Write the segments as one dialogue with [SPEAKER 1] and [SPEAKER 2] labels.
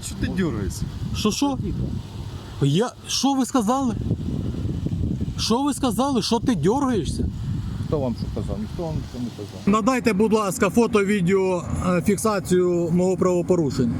[SPEAKER 1] Що ти дергаєшся?
[SPEAKER 2] Що? Що ви сказали? Що ви сказали? Що ти дергаєшся?
[SPEAKER 3] Хто вам що казав? Ніхто вам нічого не казав.
[SPEAKER 2] Надайте, будь ласка, фото-відео фіксацію мого правопорушення.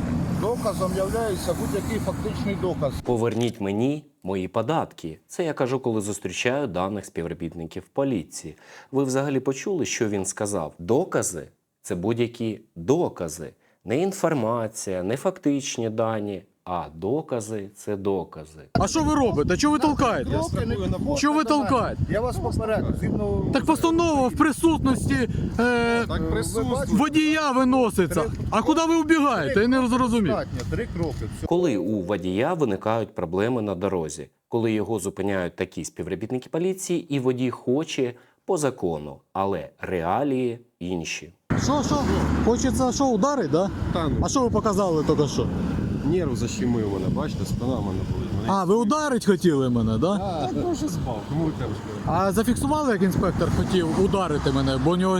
[SPEAKER 3] Доказом являється будь-який фактичний доказ.
[SPEAKER 4] Поверніть мені мої податки. Це я кажу, коли зустрічаю даних співробітників поліції. Ви взагалі почули, що він сказав? Докази – це будь-які докази. Не інформація, не фактичні дані, а докази – це докази.
[SPEAKER 2] А що ви робите? Чого ви толкаєте? Чого ви толкаєте?
[SPEAKER 3] Я вас попередив. Згідно...
[SPEAKER 2] Так постанова в присутності
[SPEAKER 1] Так присутствує.
[SPEAKER 2] водія виноситься. А куди ви вбігаєте? Я не зрозумів.
[SPEAKER 3] Достатньо, 3 кроки. Все.
[SPEAKER 4] Коли у водія виникають проблеми на дорозі, коли його зупиняють такі співробітники поліції і водій хоче по закону, але реалії інші.
[SPEAKER 2] Що? Хочеться що, ударить, да?
[SPEAKER 1] Та ну,
[SPEAKER 2] А що ви показали тільки що?
[SPEAKER 1] нерв защемив мене, бачите, спина в мене болить.
[SPEAKER 2] А, ви ударить хотіли мене, да?
[SPEAKER 1] Так, ну вже спав, кому ви кажете?
[SPEAKER 2] А зафіксували, як інспектор хотів ударити мене, бо у нього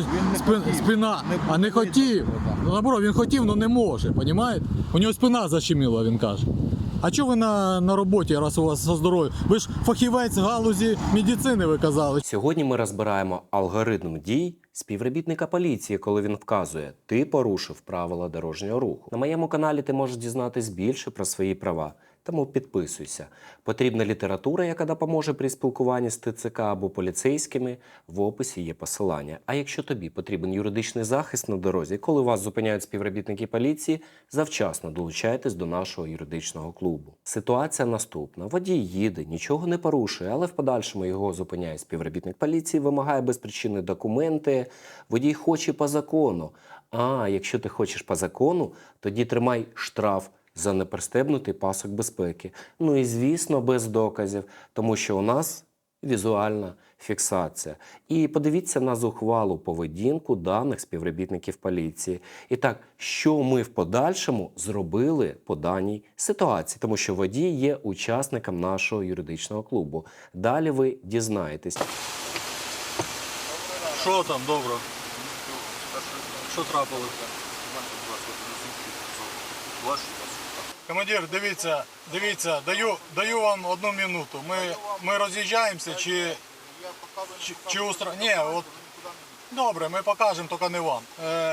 [SPEAKER 2] спина, а не хотів. Ну, наоборот, він хотів, але не може, розумієте? У нього спина защеміла, він каже. А чого ви на роботі, раз у вас со здоров'я? Ви ж фахівець в галузі медицини, ви казали.
[SPEAKER 4] Сьогодні ми розбираємо алгоритм дій співробітника поліції, коли він вказує, ти порушив правила дорожнього руху. На моєму каналі ти можеш дізнатись більше про свої права. Тому підписуйся. Потрібна література, яка допоможе при спілкуванні з ТЦК або поліцейськими. В описі є посилання. А якщо тобі потрібен юридичний захист на дорозі, коли вас зупиняють співробітники поліції, завчасно долучайтесь до нашого юридичного клубу. Ситуація наступна. Водій їде, нічого не порушує, але в подальшому його зупиняє співробітник поліції, вимагає без причини документи. Водій хоче по закону. А якщо ти хочеш по закону, тоді тримай штраф за непристебнутий пасок безпеки. Ну і, звісно, без доказів, тому що у нас візуальна фіксація. І подивіться на зухвалу поведінку даних співробітників поліції. І так, що ми в подальшому зробили по даній ситуації, тому що водій є учасником нашого юридичного клубу. Далі ви дізнаєтесь.
[SPEAKER 2] Що там, добре? Що трапилося? Командир, дивіться, даю вам 1 минуту. Ми роз'їжджаємося чи ні, от добре, ми покажемо, тільки не вам.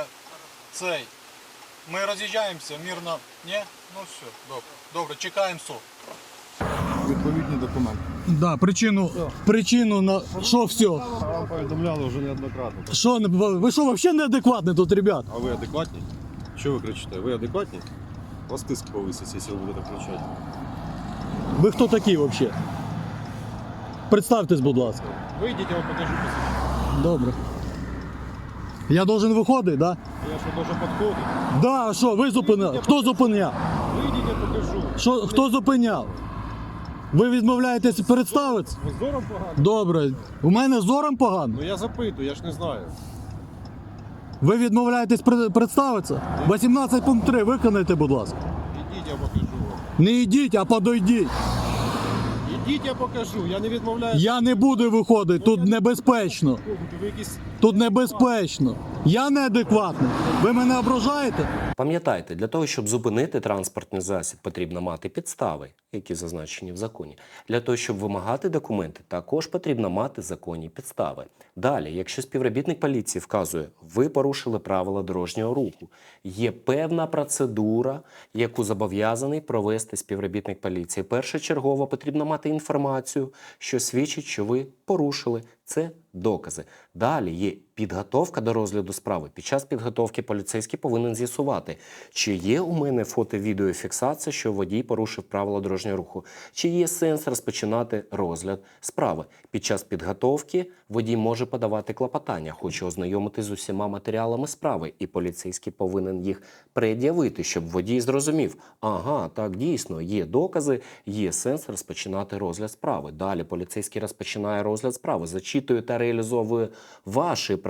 [SPEAKER 2] Ми роз'їжджаємося, мирно. Ні? Ну все, добре, чекаємо суд.
[SPEAKER 3] Відповідні документи.
[SPEAKER 2] Да, причину на що все?
[SPEAKER 1] Вам повідомляли вже неоднократно.
[SPEAKER 2] Що, ви що, взагалі неадекватні тут, ребят?
[SPEAKER 1] А ви адекватні? Що ви кричите? Ви адекватні? У вас тиск повиситься, якщо ви будете кричати.
[SPEAKER 2] Ви хто такі взагалі? Представтесь, будь ласка.
[SPEAKER 1] Вийдіть, я вам покажу посвідчення.
[SPEAKER 2] Добре. Я должен виходити, да?
[SPEAKER 1] Я що, должен підходити?
[SPEAKER 2] Да, а що, ви зупиняли? Хто зупиняв?
[SPEAKER 1] Вийдіть, я покажу.
[SPEAKER 2] Що, хто зупиняв? Ви відмовляєтесь представитися?
[SPEAKER 1] Ви зором погано?
[SPEAKER 2] Добре. У мене зором погано?
[SPEAKER 1] Ну я запитую, я ж не знаю.
[SPEAKER 2] Ви відмовляєтесь представитися? 18 пункт 3 виконайте, будь ласка.
[SPEAKER 1] Ідіть, я покажу вам.
[SPEAKER 2] Не йдіть, а подойдіть.
[SPEAKER 1] Ідіть, я покажу, я не відмовляюся.
[SPEAKER 2] Я не буду виходити, тут небезпечно.
[SPEAKER 1] Ви якісь...
[SPEAKER 2] Тут небезпечно. Я неадекватний. Ви мене ображаєте?
[SPEAKER 4] Пам'ятайте, для того, щоб зупинити транспортний засіб, потрібно мати підстави, які зазначені в законі. Для того, щоб вимагати документи, також потрібно мати законні підстави. Далі, якщо співробітник поліції вказує, ви порушили правила дорожнього руху, є певна процедура, яку зобов'язаний провести співробітник поліції. Першочергово потрібно мати інформацію, що свідчить, що ви порушили. Це докази. Далі є підготовка до розгляду справи. Під час підготовки поліцейський повинен з'ясувати, чи є у мене фото-відеофіксація, що водій порушив правила дорожнього руху, чи є сенс розпочинати розгляд справи. Під час підготовки водій може подавати клопотання, хоче ознайомитись з усіма матеріалами справи, і поліцейський повинен їх пред'явити, щоб водій зрозумів, ага, так дійсно, є докази, є сенс розпочинати розгляд справи. Далі поліцейський розпочинає розгляд справи, зачитує та реалізовує ваші права.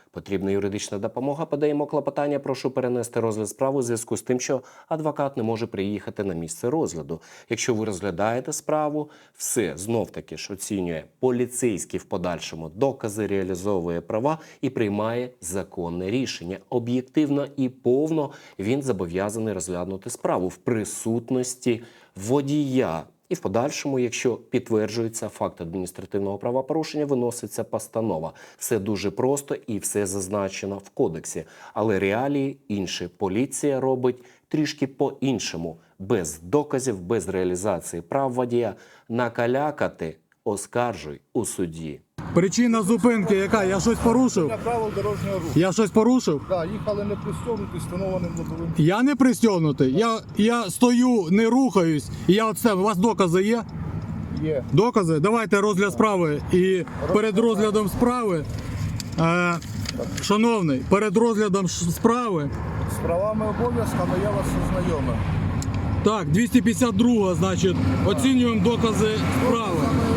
[SPEAKER 4] Потрібна юридична допомога, подаємо клопотання, прошу перенести розгляд справи у зв'язку з тим, що адвокат не може приїхати на місце розгляду. Якщо ви розглядаєте справу, все знов-таки ж оцінює поліцейський в подальшому, докази, реалізовує права і приймає законне рішення. Об'єктивно і повно він зобов'язаний розглянути справу в присутності водія. І в подальшому, якщо підтверджується факт адміністративного правопорушення, виноситься постанова. Все дуже просто і все зазначено в кодексі. Але реалії інші. Поліція робить трішки по-іншому. Без доказів, без реалізації прав водія. Накалякати оскаржуй у суді.
[SPEAKER 2] Причина зупинки яка? Я щось порушив?
[SPEAKER 3] Для правил дорожнього руху.
[SPEAKER 2] Я щось порушив?
[SPEAKER 3] Так, їхали не пристегнуті, встановленим лобовим.
[SPEAKER 2] Я не пристегнутий. Я стою, не рухаюсь. І я от себе. У вас докази є?
[SPEAKER 3] Є.
[SPEAKER 2] Докази? Давайте розгляд справи. І перед розглядом справи, шановний, перед розглядом справи,
[SPEAKER 3] З правами обов'язками я вас ознайомив.
[SPEAKER 2] так, 252, значить, оцінюємо докази справи.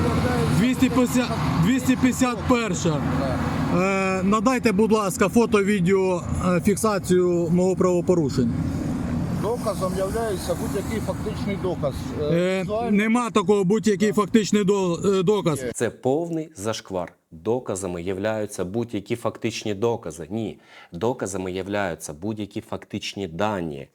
[SPEAKER 2] 251. Надайте, будь ласка, фото-відео фіксацію мого правопорушення.
[SPEAKER 3] Доказом є будь-який фактичний доказ.
[SPEAKER 2] Нема такого будь-який фактичний доказ.
[SPEAKER 4] Це повний зашквар. Доказами являються будь-які фактичні докази. Ні, доказами являються будь-які фактичні дані,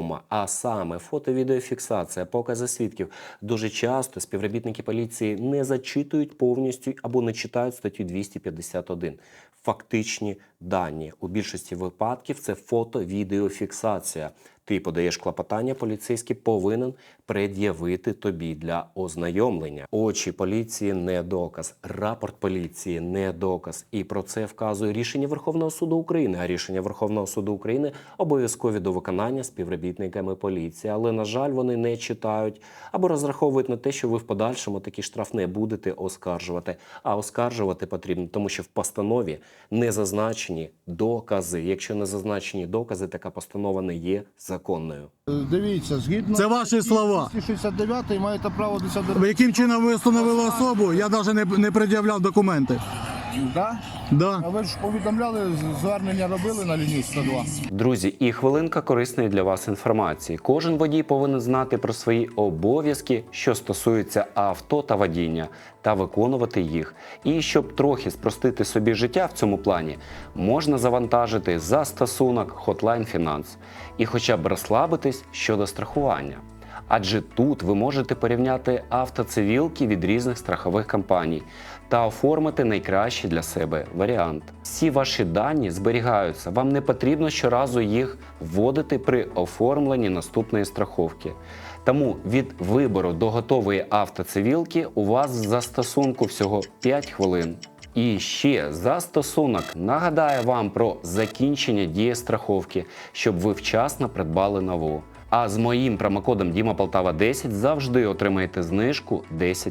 [SPEAKER 4] а саме фото-відеофіксація, покази свідків. Дуже часто співробітники поліції не зачитують повністю або не читають статтю 251. Фактичні дані. У більшості випадків це фото-відеофіксація. Ти подаєш клопотання, поліцейський повинен пред'явити тобі для ознайомлення. Очі поліції – не доказ, рапорт поліції – не доказ. І про це вказує рішення Верховного суду України. А рішення Верховного суду України обов'язкові до виконання співробітниками поліції. Але, на жаль, вони не читають або розраховують на те, що ви в подальшому такий штраф не будете оскаржувати. А оскаржувати потрібно, тому що в постанові не зазначені докази. Якщо не зазначені докази, така постанова не є законною.
[SPEAKER 3] Дивіться, згідно
[SPEAKER 2] Це ваші слова.
[SPEAKER 3] 269 маєте право 10
[SPEAKER 2] Яким чином ви встановили особу? Я навіть не пред'являв документи.
[SPEAKER 3] Да?
[SPEAKER 2] Да.
[SPEAKER 3] А ви ж повідомляли, звернення робили на лінію 102?
[SPEAKER 4] Друзі, і хвилинка корисної для вас інформації. Кожен водій повинен знати про свої обов'язки, що стосуються авто та водіння, та виконувати їх. І щоб трохи спростити собі життя в цьому плані, можна завантажити застосунок Hotline Finance і хоча б розслабитись щодо страхування. Адже тут ви можете порівняти автоцивілки від різних страхових компаній та оформити найкращий для себе варіант. Всі ваші дані зберігаються, вам не потрібно щоразу їх вводити при оформленні наступної страховки. Тому від вибору до готової автоцивілки у вас в застосунку всього 5 хвилин. І ще застосунок нагадає вам про закінчення дії страховки, щоб ви вчасно придбали нову. А з моїм промокодом DIMAPOLTAVA10 завжди отримаєте знижку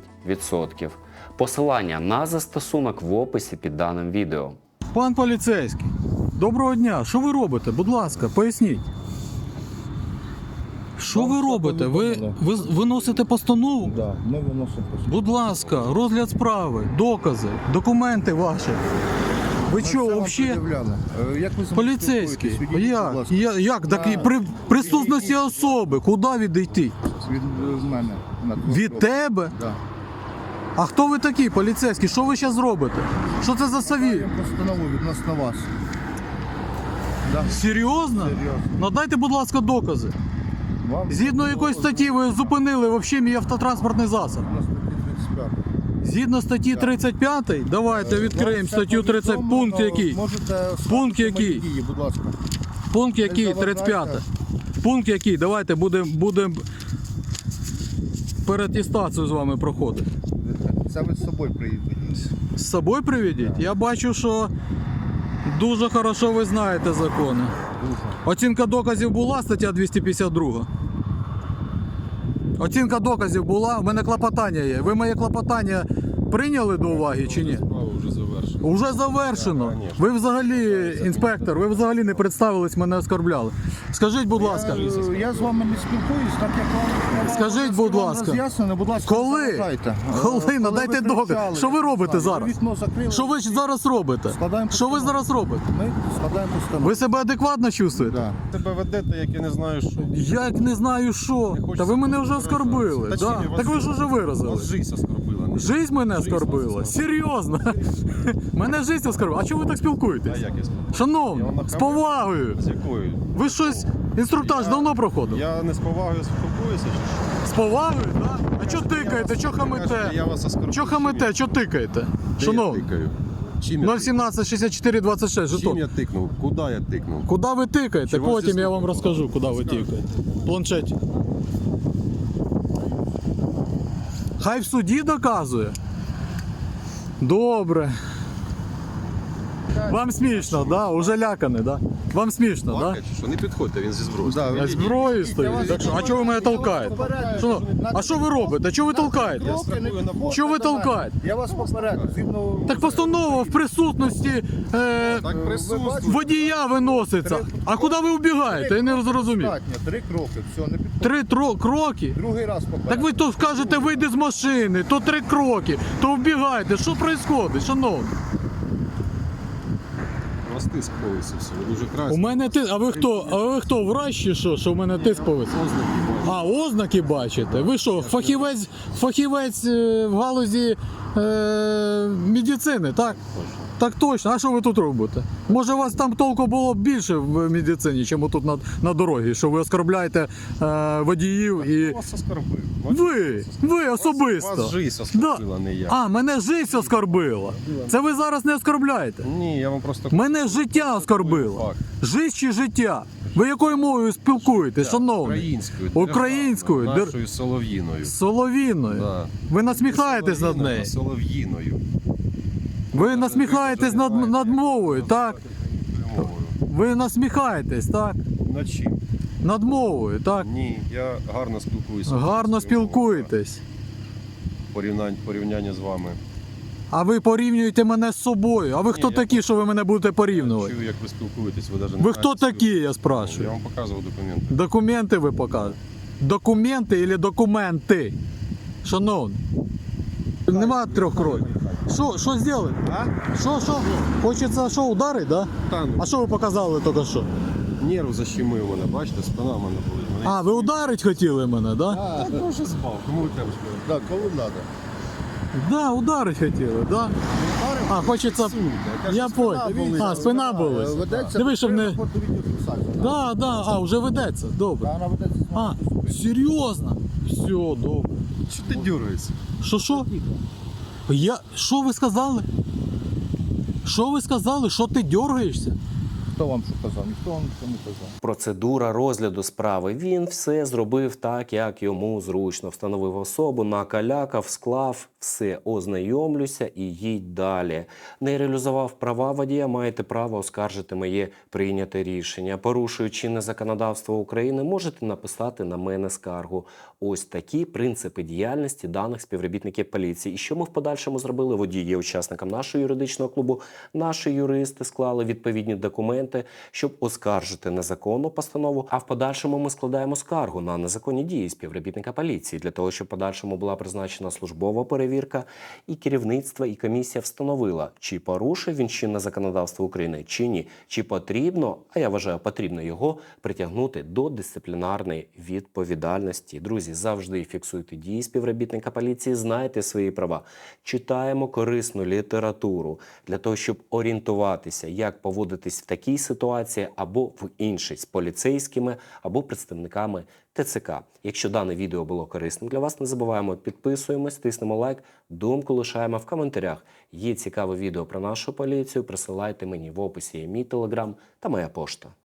[SPEAKER 4] 10%. Посилання на застосунок в описі під даним відео.
[SPEAKER 2] Пан поліцейський, доброго дня. Що ви робите? Будь ласка, поясніть. Що ви робите? Ви виносите постанову?
[SPEAKER 3] Да, ми виносимо постанову.
[SPEAKER 2] Будь ласка, розгляд справи, докази, документи ваші. Ви що, взагалі?
[SPEAKER 3] Як ви
[SPEAKER 2] Поліцейський, як такі
[SPEAKER 3] На-
[SPEAKER 2] присутності особи, куди відійти?
[SPEAKER 3] Від мене.
[SPEAKER 2] Від тебе?
[SPEAKER 3] Да.
[SPEAKER 2] А хто ви такі, поліцейські? Що ви зараз робите? Що це за сові?
[SPEAKER 3] Маємо постанову відносно вас. Да.
[SPEAKER 2] Серйозно?
[SPEAKER 3] Серйозно.
[SPEAKER 2] Надайте, будь ласка, докази.
[SPEAKER 3] Вам
[SPEAKER 2] Згідно якоїсь статті ви зупинили взагалі мій автотранспортний засіб.
[SPEAKER 3] на статті 35.
[SPEAKER 2] Згідно статті 35, давайте відкриємо
[SPEAKER 3] Вам все
[SPEAKER 2] статтю 30,
[SPEAKER 3] повідомлено,
[SPEAKER 2] пункт який?
[SPEAKER 3] Можете
[SPEAKER 2] Пункт
[SPEAKER 3] скажете
[SPEAKER 2] який?
[SPEAKER 3] мої дії, будь ласка.
[SPEAKER 2] Пункт який?
[SPEAKER 3] Не заважайте.
[SPEAKER 2] 35. Пункт який? Давайте будемо переатестацію з вами проходити.
[SPEAKER 3] Це ви з собою приїдете.
[SPEAKER 2] З собою приведіть? Я бачу, що дуже хорошо ви знаєте закони. Оцінка доказів була, стаття 252. Оцінка доказів була, в мене клопотання є. Ви моє клопотання прийняли до уваги чи ні?
[SPEAKER 1] Справа вже завершена.
[SPEAKER 2] Уже завершено.
[SPEAKER 1] Да, конечно.
[SPEAKER 2] Ви взагалі, інспектор, ви взагалі не представились, мене оскорбляли. Скажіть, будь ласка,
[SPEAKER 3] Я з вами не спілкуюсь, так як вам
[SPEAKER 2] Скажіть, будь ласка.
[SPEAKER 3] роз'яснено, будь ласка, не
[SPEAKER 2] коли?
[SPEAKER 3] заважайте.
[SPEAKER 2] Коли? Надайте
[SPEAKER 3] ви
[SPEAKER 2] доказ.
[SPEAKER 3] кричали,
[SPEAKER 2] Що ви робите
[SPEAKER 3] ви
[SPEAKER 2] зараз?
[SPEAKER 3] Вікно закрили.
[SPEAKER 2] Що ви зараз робите?
[SPEAKER 3] Складаємо
[SPEAKER 2] Що ви
[SPEAKER 3] постанову.
[SPEAKER 2] зараз робите?
[SPEAKER 3] Ми складаємо постанову.
[SPEAKER 2] Ви себе адекватно чувствуєте?
[SPEAKER 3] Да.
[SPEAKER 1] Тебе ведете, як я не знаю, що.
[SPEAKER 2] Як не знаю що.
[SPEAKER 1] хочеться
[SPEAKER 2] Та ви мене вже
[SPEAKER 1] виражатися.
[SPEAKER 2] оскорбили.
[SPEAKER 1] Та
[SPEAKER 2] Да.
[SPEAKER 1] чим я вас-
[SPEAKER 2] Так ви ж уже
[SPEAKER 1] Вас
[SPEAKER 2] виразили.
[SPEAKER 1] жизнь оскорбила. не-
[SPEAKER 2] Жизнь мене
[SPEAKER 1] Жизнь
[SPEAKER 2] оскорбила?
[SPEAKER 1] вас
[SPEAKER 2] Серйозно? Мене жизнь оскорбила. А чого ви так
[SPEAKER 1] А
[SPEAKER 2] спілкуєтесь?
[SPEAKER 1] як я скажу?
[SPEAKER 2] Шановні,
[SPEAKER 1] Я вам
[SPEAKER 2] з
[SPEAKER 1] нахамив?
[SPEAKER 2] повагою.
[SPEAKER 1] З якою?
[SPEAKER 2] Ви щось, інструктаж давно проходив?
[SPEAKER 1] Я не з повагою спілкуюся, чи що?
[SPEAKER 2] З повагою, так? А чого тикаєте, чого
[SPEAKER 1] Я
[SPEAKER 2] хамите?
[SPEAKER 1] вас оскорбив.
[SPEAKER 2] Чого хамите, чого тикаєте?
[SPEAKER 1] Де я
[SPEAKER 2] Шановні,
[SPEAKER 1] тикаю? Чим я
[SPEAKER 2] 017 64 26,
[SPEAKER 1] Чим
[SPEAKER 2] жетон.
[SPEAKER 1] я тикнув? Куди я тикнув?
[SPEAKER 2] Куди ви тикаєте?
[SPEAKER 1] Чи вас
[SPEAKER 2] Потім
[SPEAKER 1] зі
[SPEAKER 2] я вам
[SPEAKER 1] слухом?
[SPEAKER 2] розкажу, куди ви тикаєте. Планшеті. Хай в суді доказує. Добре. Вам смішно, да? Уже лякане, да? Вам смішно, да?
[SPEAKER 1] Плакать, чи що? Не підходьте, він зі зброєю.
[SPEAKER 3] Да,
[SPEAKER 2] Я зброєю стою. Так що, а чого ви мене толкаєте? Що? А що ви робите? Чого ви толкаєте? Чого ви толкаєте?
[SPEAKER 3] Я вас попереду. Згідно...
[SPEAKER 2] Так постанова в присутності
[SPEAKER 1] Так присутствує.
[SPEAKER 2] водія виноситься. А куди ви вбігаєте? Я не зрозумів.
[SPEAKER 3] Достатньо, 3 кроки, все, не підходить.
[SPEAKER 2] 3 кроки?
[SPEAKER 3] Другий раз попереду.
[SPEAKER 2] Так ви то скажете, вийди з машини, то 3 кроки, то вбігайте. Що відбувається, шановні?
[SPEAKER 1] У вас тиск повисився, ви дуже
[SPEAKER 2] У
[SPEAKER 1] красиві.
[SPEAKER 2] мене тиск. А ви хто, врач чи що? Що в мене тиск повис? А, ознаки бачите? Ви що, фахівець в галузі медицини, так? Так точно. А що ви тут робите? Може, у вас там толку було б більше в медицині, ніж тут на дорозі, що ви оскорбляєте водіїв і.
[SPEAKER 1] Я вас оскорбив.
[SPEAKER 2] Ви особисто.
[SPEAKER 1] Вас жизнь оскорбила, не я.
[SPEAKER 2] А, мене життя оскорбила. Це ви зараз не оскорбляєте.
[SPEAKER 1] Ні, я вам просто...
[SPEAKER 2] Мене життя оскорбило.
[SPEAKER 1] Факт.
[SPEAKER 2] Життя чи життя? Ви якою мовою спілкуєтесь, шановний?
[SPEAKER 1] Українською.
[SPEAKER 2] Українською.
[SPEAKER 1] державною, Нашою солов'їною.
[SPEAKER 2] Соловіною.
[SPEAKER 1] Да.
[SPEAKER 2] Ви насміхаєтесь над
[SPEAKER 1] Солов'їна,
[SPEAKER 2] нею.
[SPEAKER 1] а Солов'їною.
[SPEAKER 2] Ви насміхаєтесь над мовою, так?
[SPEAKER 1] Мовою.
[SPEAKER 2] Ви насміхаєтесь, так?
[SPEAKER 1] Над чим?
[SPEAKER 2] Над мовою, так?
[SPEAKER 1] Ні, я гарно спілкуюся.
[SPEAKER 2] Гарно
[SPEAKER 1] українською мовою.
[SPEAKER 2] спілкуєтесь.
[SPEAKER 1] Порівняння з вами.
[SPEAKER 2] А ви порівнюєте мене з собою. А ви хто
[SPEAKER 1] я
[SPEAKER 2] такі, що ви мене будете порівнювати?
[SPEAKER 1] Чую, як ви спілкуєтесь, ви навіть
[SPEAKER 2] Ви хто такі, я
[SPEAKER 1] Я
[SPEAKER 2] спрашиваю?
[SPEAKER 1] вам показував документи.
[SPEAKER 2] Документи ви покажете. Документи або документи? Шановні. Нема 3 кроків. Що зробили?
[SPEAKER 1] А?
[SPEAKER 2] Що? Хочеться що, ударити, да?
[SPEAKER 1] Та ну,
[SPEAKER 2] А що ви показали тільки що?
[SPEAKER 1] нерв защемив мене, бачите, спина в мене болить. Мене
[SPEAKER 2] А, ви ударити хотіли мене, да?
[SPEAKER 1] Я вже спав, кому ви треба сказати?
[SPEAKER 3] Так, коли треба.
[SPEAKER 2] Да, ударити хотіли, да? А, хочеться. Я понял. А, спина болить.
[SPEAKER 3] Ведеться
[SPEAKER 2] Диви, щоб не.
[SPEAKER 3] відеофіксація.
[SPEAKER 2] Да, а, вже ведеться. Добре.
[SPEAKER 3] Вона ведеться.
[SPEAKER 2] А, серйозно? Все, добре.
[SPEAKER 1] Що ти дергаєшся?
[SPEAKER 2] Що? Що ви сказали? Що ви сказали? Що ти дергаєшся?
[SPEAKER 3] Хто вам що казав? Ніхто вам нічого не казав.
[SPEAKER 4] Процедура розгляду справи. Він все зробив так, як йому зручно. Встановив особу, накалякав, склав, все, ознайомлюся і їдь далі. Не реалізував права водія, маєте право оскаржити моє прийняте рішення. Порушуючи чинне законодавство України, можете написати на мене скаргу. Ось такі принципи діяльності даних співробітників поліції. І що ми в подальшому зробили? Водій є учасником нашого юридичного клубу. Наші юристи склали відповідні документи, щоб оскаржити незаконну постанову, а в подальшому ми складаємо скаргу на незаконні дії співробітника поліції, для того, щоб в подальшому була призначена службова перевірка, і керівництво, і комісія встановила, чи порушив він чинне законодавство України, чи ні, чи потрібно, а я вважаю, потрібно його притягнути до дисциплінарної відповідальності. Друзі, завжди фіксуйте дії співробітника поліції, знайте свої права, читаємо корисну літературу для того, щоб орієнтуватися, як поводитись в такій ситуації або в іншій з поліцейськими або представниками ТЦК. Якщо дане відео було корисним для вас, не забуваємо, підписуємось, тиснемо лайк, думку лишаємо в коментарях. Є цікаве відео про нашу поліцію, присилайте мені, в описі є мій телеграм та моя пошта.